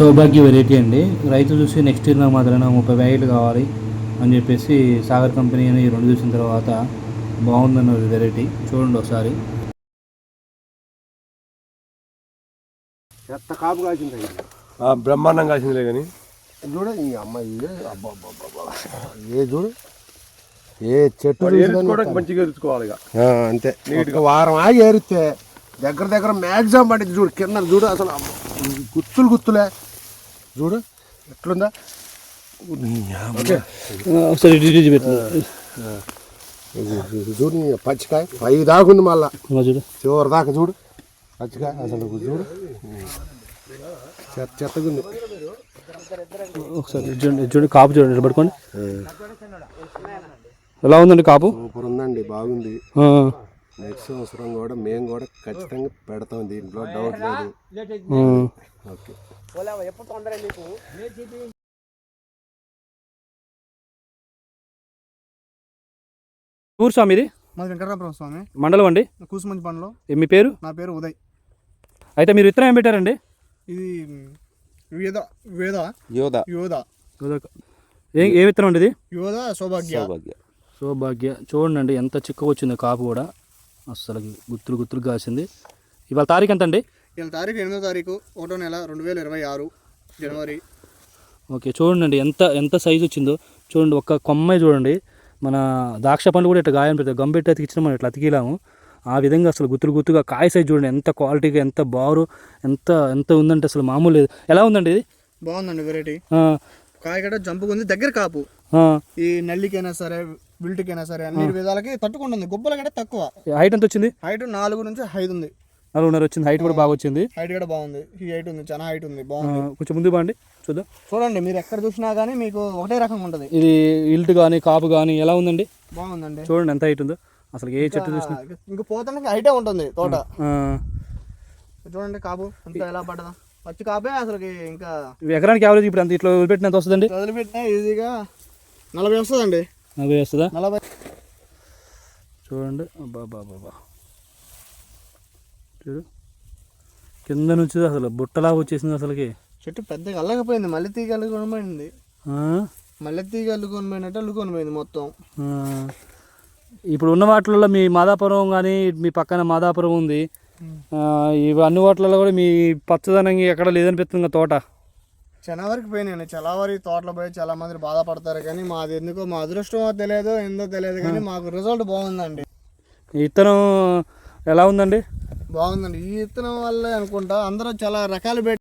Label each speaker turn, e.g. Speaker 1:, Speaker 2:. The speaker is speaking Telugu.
Speaker 1: సౌభాగ్య వెరైటీ అండి. రైతు చూసి నెక్స్ట్ ఇయర్ నాకు మాత్రమే 30 ప్యాకెట్లు కావాలి అని చెప్పేసి సాగర్ కంపెనీ అని 2 చూసిన తర్వాత బాగుందన్న వెరైటీ చూడండి ఒకసారి.
Speaker 2: ఎంత కాపు కాసింది
Speaker 3: బ్రహ్మాండం కాసిందిలే కానీ
Speaker 2: చూడ ఈ అమ్మాయి అబ్బా ఏ చూడు ఏ చెట్టు
Speaker 3: మంచిగా ఎరుచుకోవాలి
Speaker 2: అంతే నీట్గా వారం ఆగి ఏరిస్తే దగ్గర మ్యాక్సిమం పడింది చూడు. కింద చూడు అసలు గుత్తులే చూడు ఎట్లుందా. చూడు పచ్చికాయ 5 దాకా ఉంది మళ్ళా
Speaker 1: చూడు
Speaker 2: చివరి దాకా చూడు పచ్చికాయ అసలు చూడు చెత్తగా ఉంది.
Speaker 1: ఒకసారి చూడండి కాపు చూడండి పట్టుకోండి ఎలా ఉందండి కాపు.
Speaker 2: సూపర్ ఉందండి బాగుంది. నెక్స్ట్ సంవత్సరం కూడా మేము కూడా ఖచ్చితంగా పెడతాం దీంట్లో డౌట్ లేదు. ఓకే
Speaker 1: ఊరు స్వామి ఇది?
Speaker 4: మాది వెంకటరామపురం స్వామి.
Speaker 1: మండలం అండి?
Speaker 4: కూసుమంచి పండ్లో.
Speaker 1: మీ పేరు?
Speaker 4: నా పేరు ఉదయ్.
Speaker 1: అయితే మీరు విత్తనం ఏం పెట్టారండి?
Speaker 4: ఇది యోధ
Speaker 1: ఏ విత్తనం అండి ఇది?
Speaker 4: యోధ సౌభాగ్య.
Speaker 1: సౌభాగ్య చూడండి ఎంత చిక్కగా వచ్చింది కాపు కూడా అస్సలు గుత్తులు కాసింది. ఇవాళ తారీఖు ఎంత అండి?
Speaker 4: ఇవాళ తారీఖు 8వ తారీఖు 1వ నెల 2026 జనవరి.
Speaker 1: ఓకే చూడండి ఎంత సైజు వచ్చిందో చూడండి. ఒక్క కొమ్మ చూడండి. మన ద్రాక్ష పండ్లు కూడా ఇట్లా గాయం పెడతాయి గంపెట్టి అతికిచ్చిన మనం ఇట్లా అతికిలాము ఆ విధంగా అసలు గుత్తుగా కాయ సైజు చూడండి ఎంత క్వాలిటీగా ఎంత బారు ఎంత ఉందంటే అసలు మామూలు లేదు. ఎలా ఉందండి ఇది?
Speaker 4: బాగుందండి వెరైటీ. కాయ కూడా జంపుగా ఉంది. దగ్గర కాపు ఈ నల్లికైనా సరే బిల్ట్కైనా సరే అన్ని విధాలకి తట్టుకుంటుంది. గుబ్బల కంటే తక్కువ.
Speaker 1: హైట్ ఎంత వచ్చింది?
Speaker 4: హైట్ 4 నుంచి 5 ఉంది.
Speaker 1: 4.5 వచ్చింది. హైట్ కూడా బాగా వచ్చింది.
Speaker 4: హైట్ కూడా బాగుంది. ఈ హైట్ ఉంది చాలా హైట్ ఉంది బాగుంది.
Speaker 1: కొంచెం ముందు బాండి చూద్దాం.
Speaker 4: చూడండి మీరు ఎక్కడ చూసినా కానీ మీకు ఒకటే రకంగా ఉంటుంది.
Speaker 1: ఇది ఇల్ట్ కానీ కాపు కానీ ఎలా ఉందండి?
Speaker 4: బాగుందండి.
Speaker 1: చూడండి ఎంత హైట్ ఉందో అసలు ఏ చెట్టు చూసినా
Speaker 4: ఇంకా పోతానికి హైటే ఉంటుంది తోట. చూడండి కాపు అంతా ఎలా పడ్డదా పచ్చి కాపే అసలు. ఇంకా
Speaker 1: ఎకరానికి యావరేజ్ ఇప్పుడు అంత ఇట్లా వదిలిపెట్టినంత వస్తుందండి?
Speaker 4: వదిలిపెట్టినా ఈజీగా 40 వస్తుందండి.
Speaker 1: 40 వస్తుందా?
Speaker 4: 40
Speaker 1: చూడండి. బాబా చూడు కింద నుంచి అసలు బుట్టలాగా వచ్చేసింది అసలుకి.
Speaker 4: చెట్టు పెద్దగా అల్లకపోయింది. మల్లె తీగ అల్లుకొనిపోయింది. మల్లె తీగ అల్లుకొనిపోయినట్టు అల్లుకొనిపోయింది మొత్తం.
Speaker 1: ఇప్పుడు ఉన్న వాటిల్లో మీ మాదాపురం కానీ మీ పక్కన మాదాపురం ఉంది. ఇవి అన్ని వాటిలలో కూడా మీ పచ్చదనంగా ఎక్కడ లేదనిపిస్తుంది తోట.
Speaker 4: చాలా వరకు పోయినాయి. చాలా వరకు తోటలో పోయి చాలా మంది బాధపడతారు కానీ మాది ఎందుకో మా అదృష్టమో తెలియదు ఏందో తెలియదు కానీ మాకు రిజల్ట్ బాగుందండి.
Speaker 1: ఈ విత్తనం ఎలా ఉందండి?
Speaker 4: బాగుందండి. ఈ విత్తనం వల్లే అనుకుంటా అందరూ చాలా రకాలు